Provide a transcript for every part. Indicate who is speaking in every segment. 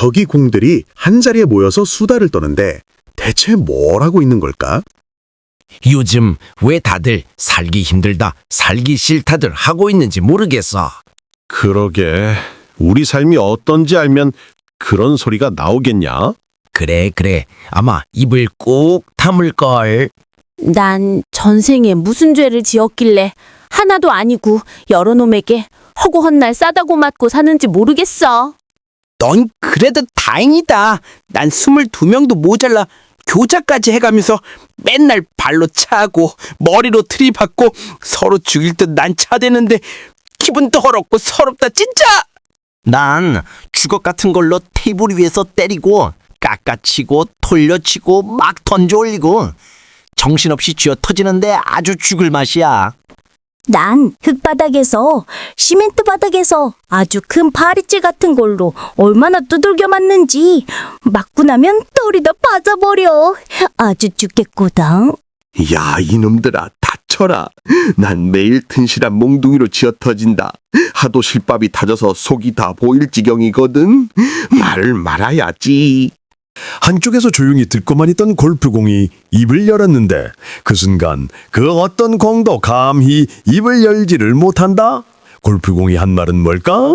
Speaker 1: 저기 공들이 한자리에 모여서 수다를 떠는데 대체 뭘 하고 있는 걸까?
Speaker 2: 요즘 왜 다들 살기 힘들다, 살기 싫다들 하고 있는지 모르겠어.
Speaker 3: 그러게. 우리 삶이 어떤지 알면 그런 소리가 나오겠냐?
Speaker 2: 그래. 아마 입을 꾹 다물걸.
Speaker 4: 난 전생에 무슨 죄를 지었길래 하나도 아니고 여러 놈에게 허구한 날 싸다고 맞고 사는지 모르겠어.
Speaker 5: 넌 그래도 다행이다. 난 22명도 모자라 교자까지 해가면서 맨날 발로 차고 머리로 들이받고 서로 죽일 듯 난 차대는데 기분 더럽고 서럽다 진짜. 난 주걱 같은 걸로 테이블 위에서 때리고 깎아치고 돌려치고 막 던져 올리고 정신없이 쥐어 터지는데 아주 죽을 맛이야.
Speaker 4: 난 흙바닥에서 시멘트 바닥에서 아주 큰 파리채 같은 걸로 얼마나 두들겨 맞는지 맞고 나면 털이 다 빠져버려. 아주 죽겠거든.
Speaker 6: 야, 이놈들아, 다쳐라. 난 매일 튼실한 몽둥이로 쥐어 터진다. 하도 실밥이 타져서 속이 다 보일 지경이거든. 말을 말아야지.
Speaker 3: 한쪽에서 조용히 듣고만 있던 골프공이 입을 열었는데 그 순간 그 어떤 공도 감히 입을 열지를 못한다. 골프공이 한 말은 뭘까?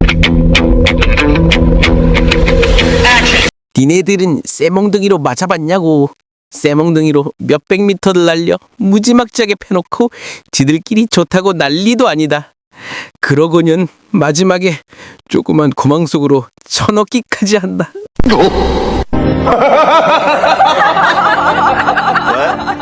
Speaker 5: 니네들은 쇠몽둥이로 맞아봤냐고. 쇠몽둥이로 몇백 미터를 날려 무지막지하게 패놓고 지들끼리 좋다고 난리도 아니다. 그러고는 마지막에 조그만 구멍 속으로 쳐넣기까지 한다.